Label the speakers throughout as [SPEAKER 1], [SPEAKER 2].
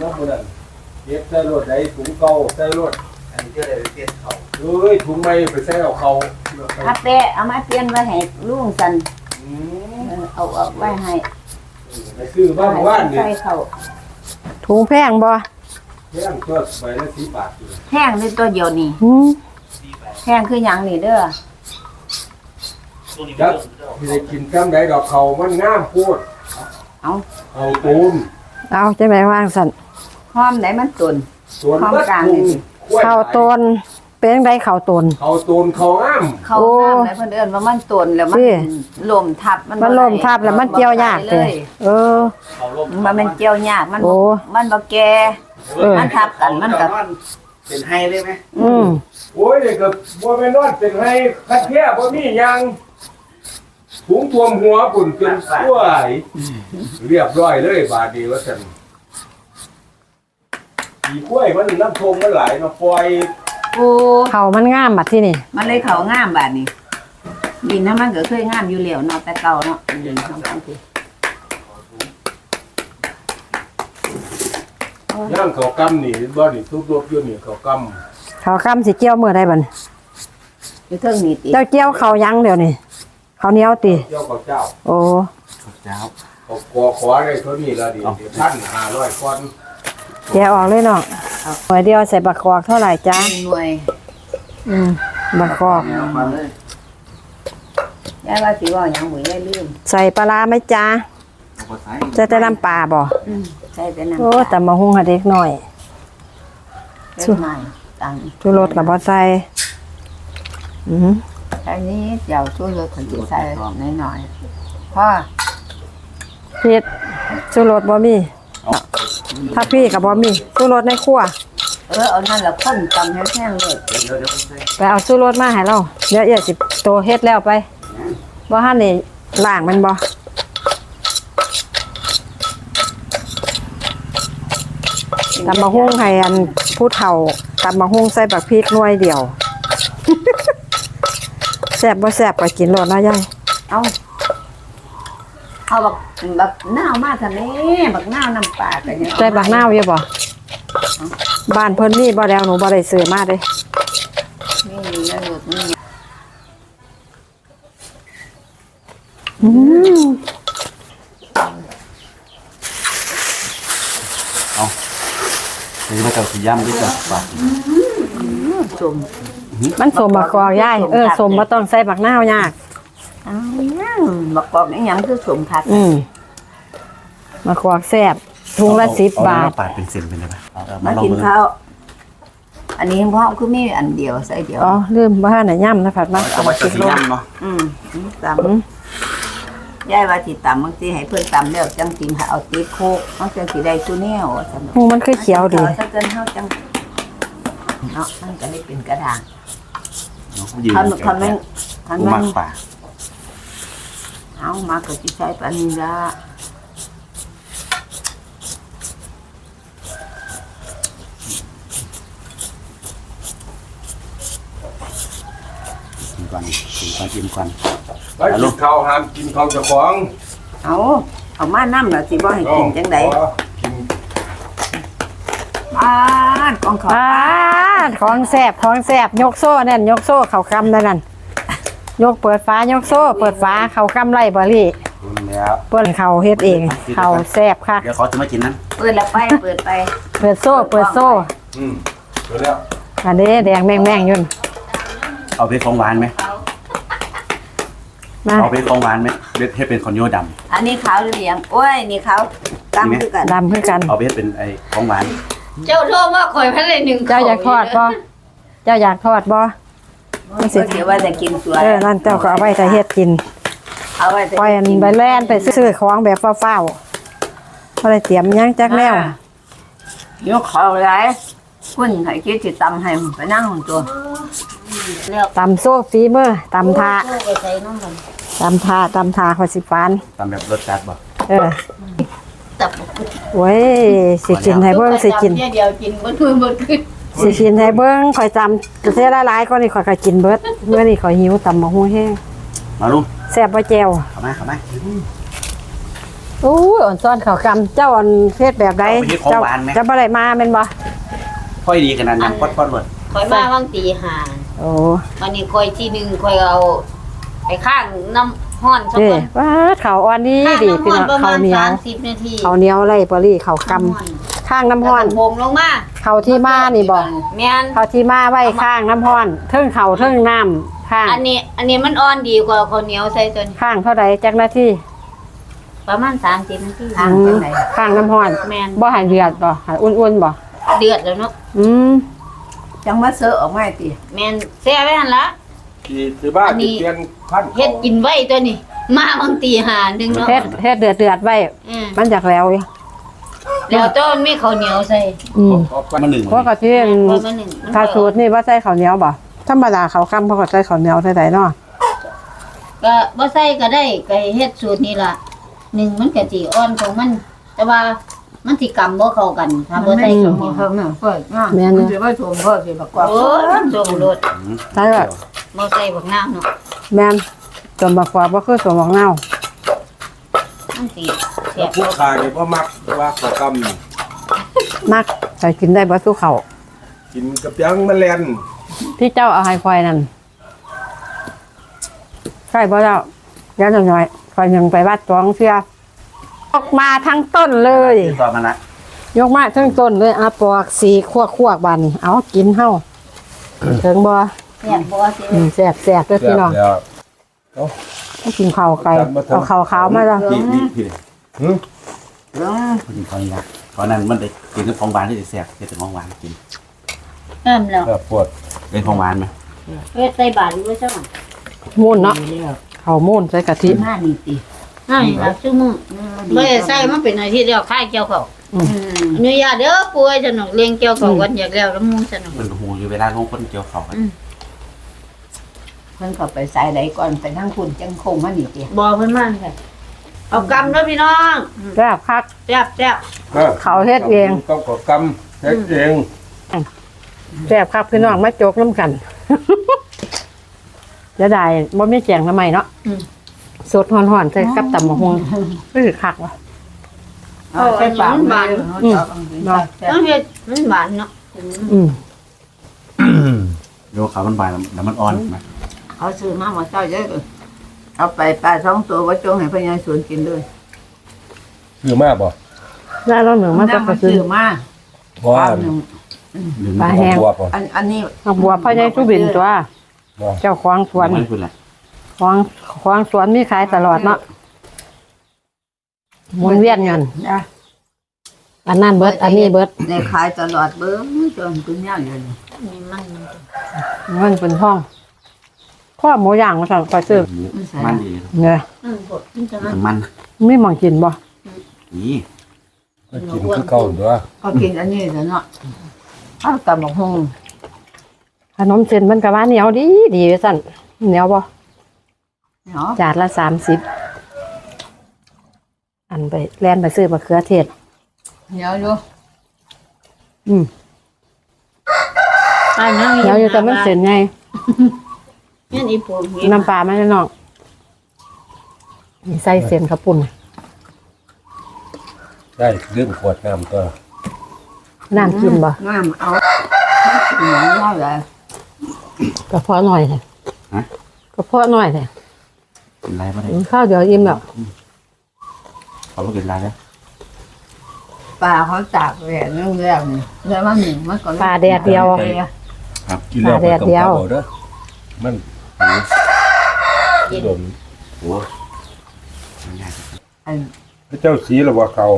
[SPEAKER 1] น้องคนนั้นเก็บใส่รถได้ถุงเก่าใส่รถอันนี้ก็ได้เปลี่ยนเขาถุงใหม่ไปใส่เอาเขา
[SPEAKER 2] ถ้าเปะเอามาเปลี่ยนไว้ให้ลุงสันเอาไว้ให้
[SPEAKER 1] ไปซื้อบ้านว่านนี่
[SPEAKER 3] ถุงแพงบ่
[SPEAKER 1] แพงตัวใบละ10 บาท
[SPEAKER 2] แพงนี่ตัวเดียวนี่แพงคือหยังนี่เด้อ
[SPEAKER 1] จักที่ได้กินกำไดดอกเขามันงามโพดเอาตูน
[SPEAKER 3] เอาจะไหมว่างสั่น
[SPEAKER 2] หอมไหนมันตุน
[SPEAKER 1] หอมกลางนี่
[SPEAKER 3] ข้าวต้นเป็นไดข้าวต้น
[SPEAKER 1] ข้าวต้นข้าวงาม
[SPEAKER 2] ข้าวงามไหนเพิ่นเอิ้นว่ามันตุนแล้วมันลมทับ
[SPEAKER 3] มันลมทับแล้วมันเกี่ยวยากเลย
[SPEAKER 2] มันเกี่ยวยากมันบ่แก่มันทับกันมันก็
[SPEAKER 4] เป็นให้ได้ไหม
[SPEAKER 1] โอ้ยนี่ก็บ่แม่นอนเป็นให้คัดแท้บ่มีหยังถุงท่วมหัวปุ่นจนสวยเรียบร้อยเลยบาดนี้ว่าซั่นอีกล้วยมันน้ำทงมันหลายเนาะปล่อย
[SPEAKER 3] เขามันงามบัดที่นี่
[SPEAKER 2] มันเลยเขางามบาดนี้ดินนั้นมันก็เคยงามอยู่แล้วเนาะแต่เก่าเนาะดินทั้งที
[SPEAKER 1] ย่างเขากำนี่บ่นี่ทุบรบอยู่นี่เขาก
[SPEAKER 3] ำสิเกี่ยวมื้อใดบัด
[SPEAKER 2] อยู่เทิงนี่ติ
[SPEAKER 3] เจ้าเกี่ยวเขายังเดี๋ยวนี้เขาเหนียวติ
[SPEAKER 1] เกี่ยวเขาเจ้า
[SPEAKER 3] โอ้
[SPEAKER 4] เจ้า
[SPEAKER 1] เขาขอได้เท่านี้ละดิ1,500คน
[SPEAKER 3] แกะออกเลยเนาะหน่วยเดียวใส่บักกอกเท่าไหร่จ๊ะ
[SPEAKER 2] หน่วย
[SPEAKER 3] บักกอก
[SPEAKER 2] ยายว่าสิว่าหยังบ่ยายลืม
[SPEAKER 3] ใส่ปลาไหมจ๊ะใส่แต่น้ำปลาบ่
[SPEAKER 2] ใส่แต่น้ำ
[SPEAKER 3] โอ้แต่มาหุงให้เด็กหน่อยชูรสกับบ่ใส่
[SPEAKER 2] อันนี้เดี๋ยวชูรสถึงจะใส่หน่อยๆพ่อ
[SPEAKER 3] เผ็ดชูรสบ่มีถ้าพี่กับบ่มีชูรสในครัว
[SPEAKER 2] เอานั่นละข้นตำแห้งๆเลย
[SPEAKER 3] ไปเอาชูรสมาให้เราเดี๋ยวสิโตเฮ็ดแล้วไปบ่หั่นนี่ล้างมันบ่ตำมะฮุ่งให้อันผู้เฒ่าตำมะฮุ่งใส่บักพริกหน่วยเดียวแซ่บบ่แซ่บก็กินโลดนะยาย
[SPEAKER 2] เอาบักนาวมาทำนี้บักนาวน้ำปลากันเนี่ย
[SPEAKER 3] ใส่บักนาวอยู่บ่บ้านเพิ่นมีบ่แล้วหนูบ่ได้ซื้อมาเด้
[SPEAKER 2] นี่แล้วหลุดนี่
[SPEAKER 4] นี่มาเจ้าสีย่ำด้วยจ้ะปาก
[SPEAKER 2] สม
[SPEAKER 3] มันสมบักกอกยายสมบ่ต้องใส่บักนาวยาก
[SPEAKER 2] บักกอกนี่ยังคือสมคัก
[SPEAKER 3] บักกอกแซ่บถุงละ10 บาท
[SPEAKER 4] ปาดเป็นเส้นเป็นอะไร
[SPEAKER 2] มากินข้าวอันนี้พ่อคือมีอันเดียวใส่เดียว
[SPEAKER 3] ลืมบ้านไหนย่ำนะผัดมา
[SPEAKER 4] เอามากินย่ำเนาะ
[SPEAKER 2] ตำยายว่าสิตำบางทีให้เพื่อนตำแล้วจังสิเอาตีโคกเอาจังสิได้ตัวแนว
[SPEAKER 3] มันคือเขียวดี
[SPEAKER 2] ถ้าเกินเฮาจังเนาะมันก็ได้เป็นกระด่าง
[SPEAKER 4] มันป่า
[SPEAKER 2] เอามาก็สิใช้ปานนี้ละ
[SPEAKER 4] กินก่อนกินก่อน
[SPEAKER 1] ไปกินข้าวห้ามกินข้าวเจ้าของ
[SPEAKER 2] เอามาน้ำล่ะสิบ่ให้กินจังได๋
[SPEAKER 3] ของแซ่บยกโซ่แน่นยกโซ่เข่าคำนั่นยกเปิดฟ้ายกโซ่เปิดฟ้าเข่าคำไล่บรี่เปิดเข่าเฮ็ดเองเข่าแซ่บค่ะ
[SPEAKER 4] เดี๋ยวเขาจะมากินนั้น
[SPEAKER 2] เปิดแล้วไปเปิ
[SPEAKER 3] ดโซ่เปิด
[SPEAKER 1] แล้ว
[SPEAKER 3] อันนี้แดงแม่งยุ่น
[SPEAKER 4] เอาไปของหวานไหมเอาไปของหวานไหมเบ็ดให้เป็นคอนโยด
[SPEAKER 2] ำอันนี้ขาวเหลืองโอ้ยนี่ขาวดำคือ
[SPEAKER 3] กัน
[SPEAKER 4] เอาเบ็ดเป็นไอ้ของหวาน
[SPEAKER 2] เจ้าโทษว่าข่อยพันเลย1
[SPEAKER 3] เจ้าอยากทอดบ่
[SPEAKER 2] ไม่สิเดี๋ยวว่าจะกินสวย
[SPEAKER 3] นั่นเจ้าก็เอาไว้แต่เฮ็ดกิน
[SPEAKER 2] เอาไว้
[SPEAKER 3] ปล่อยไปแล่นไปซื้อของแบบเฝ้าๆอะไรเตรียมยังจักแน
[SPEAKER 2] วยกเขาไรคุณให้คิดจะตำให้ไปนั่งของตัว
[SPEAKER 3] ตำโซ่ฟีเมอร์ตำทาขอสิฟาน
[SPEAKER 4] ตำแบบรสจัดบ่
[SPEAKER 3] โว้ยสิกินให้เบิ้งสิกิน
[SPEAKER 2] เดียวกินเบิ้งขึ้น
[SPEAKER 3] สิกินให้เบิ้งข่อยจำจะเสียหลายๆก็นี่ข่อยกินเบิดเมื่อนี่ข่อยหิวตำมะฮุ่งแห้ง
[SPEAKER 4] มาลุง
[SPEAKER 3] แซ่บบ่แจ่ว
[SPEAKER 4] เข้ามา
[SPEAKER 3] โอ้ยอ่อนซ้อนเขากำเจ้าอ่อนเทศแบบใดเจ้าจะบ่ได้มาแม่นบ่
[SPEAKER 4] ค่อยดีขนาดนั้นปอดหมด
[SPEAKER 2] คอยมาบางตีหา
[SPEAKER 3] โอ้
[SPEAKER 2] วันนี้คอยที่หนึ่งคอยเอาไปข้างน้ำห้อนสัก
[SPEAKER 3] เด้
[SPEAKER 2] คน
[SPEAKER 3] ว่าเขาอ่อนนี้
[SPEAKER 2] ข้าง
[SPEAKER 3] ดี
[SPEAKER 2] น้ำ
[SPEAKER 3] พี่
[SPEAKER 2] ห้อน
[SPEAKER 3] น้อง
[SPEAKER 2] ประ
[SPEAKER 3] เขา
[SPEAKER 2] มาณ
[SPEAKER 3] เหนียว
[SPEAKER 2] 30 นาที
[SPEAKER 3] เขาเหนียวไรบ่ลี่เขากำข้างน้ำห้อน
[SPEAKER 2] โพงลงมา
[SPEAKER 3] เขาที่มานี่บ่
[SPEAKER 2] แม่น
[SPEAKER 3] เขาที่มาไว้ข้างน้ำห้อนเทิงเขาเทิงน้ำข้าง
[SPEAKER 2] อันนี้มันอ่อนดีกว่าข้าวเหนียวใส่ตัวนี้
[SPEAKER 3] ข้างเท่าใดจักนาที
[SPEAKER 2] ประมาณ30 นาที
[SPEAKER 3] ข้างน้ำห้อน
[SPEAKER 2] แม่น
[SPEAKER 3] บ่ใหายเดือดบ่ใหายอุ่นๆบ่
[SPEAKER 2] เดือดแล้วเนาะ
[SPEAKER 5] จังมาเสือออกมาติ
[SPEAKER 2] แม่นแซ่ไว้หั่นละ
[SPEAKER 1] ที่บ้านที่เปลี่ยนพันธุ์
[SPEAKER 2] เฮ็ดกินไว้ตัวนี้ มาบางตีหาหนึงเนาะ
[SPEAKER 3] เฮ็ดเดือดไว้
[SPEAKER 2] อืม
[SPEAKER 3] มันจากแล้วอยู่
[SPEAKER 2] แล้วต้นมีข้าวเหนียวใส่
[SPEAKER 4] มาหนึ่ง
[SPEAKER 3] เพราะก็ที่
[SPEAKER 2] พอมาหนึ่งมัน
[SPEAKER 3] ถ้าสูตรนี่ว่าใส่ข้าวเหนียวบ่ธรรมดาเขาวค่ำเพราะก็ใส่ข้าวเหนียวใส่ใดเนาะ
[SPEAKER 2] ก็บ่ใส่ก็ได้ก็เฮ็ดสูตรนี้ล่ะหนึ่งมันก็สิอ่อนของมัน แต่ว่ามันสิกำบ่เข้ากันถ้าบ่ใส่ข้าวเหนียว
[SPEAKER 5] เพิ่มน่ะเพิ่นง่าย
[SPEAKER 3] แม่น
[SPEAKER 5] มัน
[SPEAKER 3] เด้
[SPEAKER 5] สิว่าชมก็สิบักกว่า
[SPEAKER 2] โอ้ยโดนรถ
[SPEAKER 3] ใช่บ่
[SPEAKER 2] บ่ใส่บักน้ำเนาะ
[SPEAKER 3] แม่นสมบักกว่าบ่คือสมบักเน่า
[SPEAKER 2] มันสิเสียบ
[SPEAKER 1] ผู้ขายนี่บ่มักว่าขอกำนี่
[SPEAKER 3] มักใส่กินได้บ่สู้เขาว
[SPEAKER 1] กินกับยังแมลง
[SPEAKER 3] ที่เจ้าเอาให้ควายนั่นใช่บ่เจ้าย้อนหน่อยๆควายยังไปวัดตวงเสียออกมาทั้งต้นเลย
[SPEAKER 4] ที่ต่อมาละ
[SPEAKER 3] ยกมาทั้งต้นเลยอาปอกสีคั่วบานนี่เอากินเฮาถึงบ่
[SPEAKER 2] เสียบบ่สิ
[SPEAKER 3] แซ่บๆเด้อพี่น้อง
[SPEAKER 1] แล้ว
[SPEAKER 3] ต้องกินข้าวไก่เอาข้าวขาวมาจ้ะ
[SPEAKER 4] พี่พี่
[SPEAKER 1] หึ
[SPEAKER 4] คนกินเขาอย่างนี้เขานั้นมันได้กินกับของหวานที่แซ่บเป็นของหวานกิน
[SPEAKER 2] เริ่มแล้ว
[SPEAKER 1] ก็ปวด
[SPEAKER 4] เป็นของหวานไหม
[SPEAKER 2] เฮ็ดใส่บาตรอยู่ว่าจัง
[SPEAKER 3] มูนเนาะข้าวมูนใส่กะทิ
[SPEAKER 5] หน้านี่ติ
[SPEAKER 2] ให้รับซุมื้อบ่ได้ใส่มันเป็นอาทิตย์แล้วคายเกี่ยวเขาอนุญาตเด้อป่วยสนุกเลี้ยงเกี่ยวเขาวันอยากแล้วแล้วมูสนุก
[SPEAKER 4] มันหูอยู่เวลาลงคนเกี่ยวเขา
[SPEAKER 5] เพิ่นเข้าไปสายใดก่อนไปทางคุณจังคงมานี่ติ
[SPEAKER 2] บ่เพิ่นมาค่ะเอากำเด้อพี่น้อง
[SPEAKER 3] แซ่บคัก
[SPEAKER 2] แซ่บ
[SPEAKER 3] เขาเฮ็ดเอง
[SPEAKER 1] ต้องกกำเฮ็ดเอง
[SPEAKER 3] แซ่บคักพี่น้องมาโจกน้ำกันจะได้บ่มีแจงทำไมเนาะสดฮ้อนๆใส่กับตำบักหุ่งคือคักว่ะ
[SPEAKER 5] เอาใส่ปากมัน
[SPEAKER 3] เนาะ
[SPEAKER 2] ๆต้องเฮ็ดมันหวานเนาะ
[SPEAKER 3] อืม
[SPEAKER 4] โยกเขามันหวานแล้วมันอ่อนไหม
[SPEAKER 5] เอาซื้อมาหมดเจ้าเยอะเอาไปปลา2ตัวไว้จงให้พญาสวนกินด้วย
[SPEAKER 1] คือมากบ่
[SPEAKER 3] ได้แล้วหนึ่งมาจะกระซื้อ
[SPEAKER 5] ซื้อมา
[SPEAKER 1] เพราะว่า
[SPEAKER 4] หรือ
[SPEAKER 3] ป
[SPEAKER 4] มั
[SPEAKER 3] ลาน แห้ง
[SPEAKER 1] บวบบ่
[SPEAKER 5] อันนี้
[SPEAKER 3] ผักบัวพ่อใหญ่สุบินตัว
[SPEAKER 1] บ่
[SPEAKER 3] เจ้าของสวน
[SPEAKER 4] มันคืออะไร
[SPEAKER 3] ของสวนมีขายตลอดเนาะหมุนเวียนเงิน
[SPEAKER 5] นะ
[SPEAKER 3] อันนั้นเบิดอันนี้เบิด
[SPEAKER 5] ในขายตลอดเบิ่งจนคุณย่าอยู่นี่
[SPEAKER 2] มีมัน
[SPEAKER 3] เงินเป็นห้องข้อหมูย่างมาสั่งไปซื้อ
[SPEAKER 4] มันดี
[SPEAKER 3] เนี่ย
[SPEAKER 2] มันบดมันจะมัน
[SPEAKER 4] มัน
[SPEAKER 3] ไม่มองกินบ่
[SPEAKER 4] นี่
[SPEAKER 1] ก็กินคือเก่าตัว
[SPEAKER 5] ก็กินอันนี้ซะเนาะเอาตำบักหุ่ง
[SPEAKER 3] ขนมเส้นมันก็ว่าเหนียวดีดีว่าสั่นเหนียวบ่
[SPEAKER 5] เนาะ
[SPEAKER 3] จานละ30อันไปแล่นไปซื้อมะเขือเทศ
[SPEAKER 5] เหนียวอยู่
[SPEAKER 3] อืม
[SPEAKER 2] ไปนั่ง
[SPEAKER 3] เหนียวอยู่แต่มันเส้นไง
[SPEAKER 2] นี่อีปู
[SPEAKER 3] น้ำปลาไม่ได้น้องนี่ใส่เส้นข้าวปุ้น
[SPEAKER 1] ได้เรื่องขวดน้ำตัว
[SPEAKER 3] น้ำกินบ่
[SPEAKER 5] น้ำเอาเหนียวเท่าไหร่
[SPEAKER 3] กระเพาะหน่อยเลยกระเพาะหน่อยเลย
[SPEAKER 4] กินไรไม่ได้
[SPEAKER 3] ข้าวเดี๋ยวอิ่มแล้ว
[SPEAKER 4] เขาไม่กินไรแล้ว
[SPEAKER 5] ปลาเขาตากแดดเรื่องแรกนี่แล้วมันหนึ่งมันก็
[SPEAKER 3] ปลาแดดเดียว
[SPEAKER 4] ครับ
[SPEAKER 1] กินแล้ว
[SPEAKER 3] แดดเดียว
[SPEAKER 1] บ่ต้องกลับเอาเด้อมันโดน
[SPEAKER 4] โอ้ง่าย
[SPEAKER 5] อัน
[SPEAKER 1] พระเจ้าสีหรือว่าเขา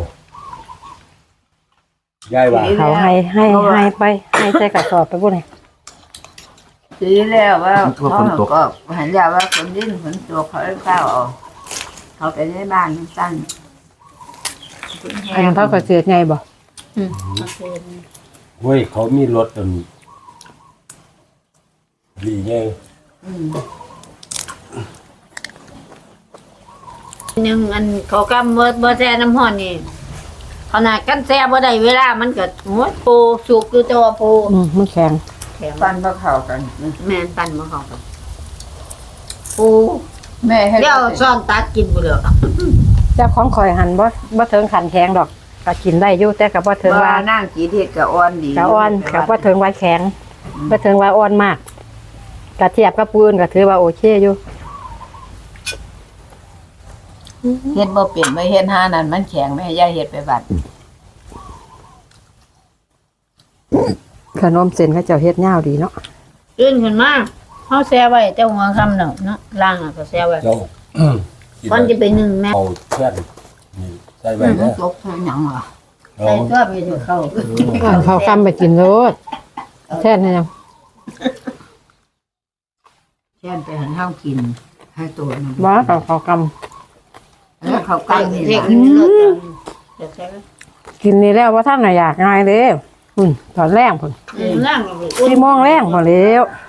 [SPEAKER 1] ย้ายว่า
[SPEAKER 3] เขาให้ไปให้ใส่กระสอบไปบุ้น
[SPEAKER 5] สีแล้วว่าเขาก็เห็นแล้วว่าคนดิ้นฝนตัวเขาได้เก้าออกเขาไปในบ้านมันสั้น
[SPEAKER 3] อันนั้นเท่ากับเสียไงบ่
[SPEAKER 1] เว้ยเขามีรถจนดีไง
[SPEAKER 2] หนึ่งอันเขากำบ่แซ่น้ำห่อนนี่ขนาดกันแซ่บ่ได้เวลามันก็โหปูสุกอยู่ตัวปู
[SPEAKER 3] มันแข็ง
[SPEAKER 2] แข็ง
[SPEAKER 5] ฟันมาเข่ากัน
[SPEAKER 2] แม่นปั่นบ่เข้ากันปู
[SPEAKER 5] แม่ให้
[SPEAKER 2] เดี๋ยวซ่อนตัดกินบ่เหลือ
[SPEAKER 3] เจ้าของข่อยหันบ่ถึงขันแข็งดอกก็กินได้อยู่แต่ก็บ่ถึงว่า
[SPEAKER 5] นั่งจีเทศกับอ่อนดี
[SPEAKER 3] ก็อ่อนก็บ่ถึงว่าแข็งบ่ถึงว่าอ่อนมากก็เทียบกับปูนก็ถือว่าโอเคอยู่
[SPEAKER 5] เฮ็ดบ่เป็นไม่เฮ็ดหานั่นมันแข็งไม่ให้ยายเฮ็ดไปบัด
[SPEAKER 3] ขนมเส้นเขาเจ้าเฮ็ดยาวดีเนาะ
[SPEAKER 2] ตื่นขึ้นมาเฮาแซ่ไว้แต่หัวค่ำเนาะล่างก็แซ่ไว้
[SPEAKER 1] เจ้า
[SPEAKER 2] ก่อนจะไปนึ่งแม่
[SPEAKER 1] เอาเพื่อนนี่ใส่ไว้
[SPEAKER 5] มั
[SPEAKER 1] เด้
[SPEAKER 5] น
[SPEAKER 1] อ
[SPEAKER 5] ตกใส่หยังล่ะ
[SPEAKER 1] เอา
[SPEAKER 2] ใส่ตัวไปเถอะเข้า
[SPEAKER 3] เขาคำไปกินโลดแท้นี่ยัง
[SPEAKER 5] แช่นไปหันเฮากินให้ตัวมัน
[SPEAKER 3] บ่เขาค
[SPEAKER 5] แล้วเขากั้งนี่
[SPEAKER 2] เด็ก
[SPEAKER 5] ล่ะ
[SPEAKER 2] กินเลิศจะแซ่ไว้
[SPEAKER 3] ำกินนี่แล้วว่าท่านน่ะอยากง่ายเด้ตอนแรกพุ่น
[SPEAKER 2] ล่างก็ไป
[SPEAKER 3] 4 โมงแรงบ่แล้ว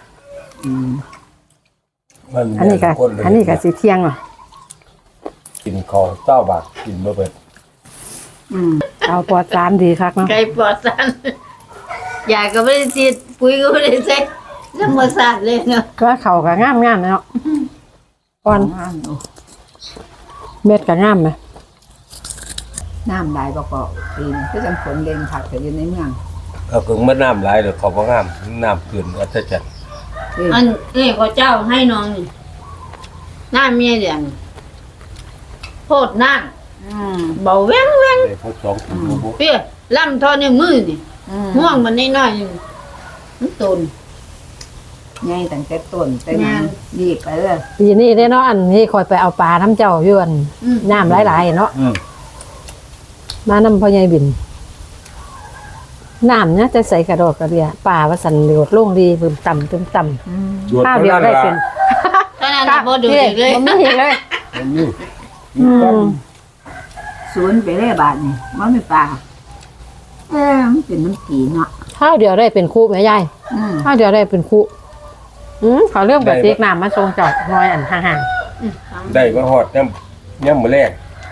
[SPEAKER 1] มัน
[SPEAKER 3] อันนี้ก็สิเที่ยงอ่ะ
[SPEAKER 1] กินของเจ้าบาทกินบ่เบิด
[SPEAKER 3] เอาปอด3ดีคักเนาะ
[SPEAKER 2] ไก่ปลอดสารยายก็ไม่ได้ฉีดปุ๋ยก็ไม่ได้ใช้ธรรมชาติเลยเนาะ
[SPEAKER 3] ก็เขาก็งามๆเนาะอ่อน
[SPEAKER 5] น้ำอยู่
[SPEAKER 3] เม็ดก็งามไหม
[SPEAKER 5] น้ำได้บ่ก็ปีนคือจังฝนเล่นผักก็อยู่ในเมือง
[SPEAKER 1] เอาถึงมันน้ำหลายเด้อเขาบ่งามน้ำขึ้นอัศจรรย์
[SPEAKER 2] อันนี้พระเจ้าให้น้องนี่หน้าเมียเดียงโพดน้ำเบาแว้งแว้ง
[SPEAKER 1] ได้พอ2ถุงบ่
[SPEAKER 2] เปี้ยล่ำทอในมือนี่ห่วงมันน้อยๆนี่มันตน
[SPEAKER 5] ใหญ่ตั้งแต่ต้นแต่
[SPEAKER 2] แม่
[SPEAKER 5] นั้น
[SPEAKER 2] น
[SPEAKER 5] รีบไปเลย
[SPEAKER 3] ปีนี้ได้เนาะอันนี้คอยไปเอาปลาน้ำเจ้าอยู่อันน้ำหลายๆเนาะมาน้ำพ่อใหญ่บินน้ำเนี่ยจะใส่กระโดดกระเดียป่าว่าสันเหลวดลงดีบึมต่ำตึมต่ำข้าวเดียวได้เป็น
[SPEAKER 2] ตอนนั้นบ่ดูอีกเลย
[SPEAKER 3] มันไม่เห็นเลย
[SPEAKER 1] นี่
[SPEAKER 5] สวนไปเลยบาดนี่มันไม่ปลามันเป็นน้ำผีเนาะ
[SPEAKER 3] ข้าวเดียวได้เป็นคู่แม่ยายข้าวเดียวได้เป็นคู่เขาเริ่มกับเตียกน้ำมาทรงเจอดน้อยอันห่าง
[SPEAKER 1] ได้มาฮอดย่ำมื้อแรก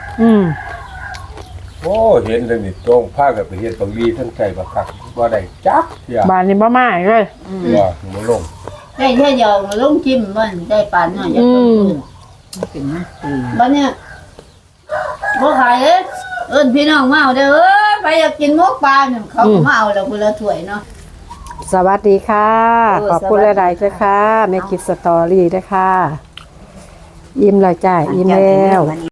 [SPEAKER 1] โอ้เห็นแล้วนี่ตรงพากันไปเฮ็ดบักลีทั้งใจบักคักบ่ได้จักเที่ย
[SPEAKER 3] บานนี้บ่มาอีกเลย
[SPEAKER 1] ว่าบ่ลง
[SPEAKER 2] ได้แค่เดียวมาลงจิ้มบ้านได้ปานน้อยจะเพิ่ม
[SPEAKER 5] มันเป็นน้ำผี
[SPEAKER 2] บ้านเนี่ยบ่ขายเอิ้นพี่น้องมาเอาเด้อไปอยากกินหมกปลาเนี่ยเขาก็มาเอาแล้วคนละถ้วยเนาะ
[SPEAKER 3] สวัสดีค่ะขอบคุณหลายๆด้วยค่ะแม่กิดสตอรี่ด้วยค่ะอิ่มแล้วจ้าอิ่มแล้ว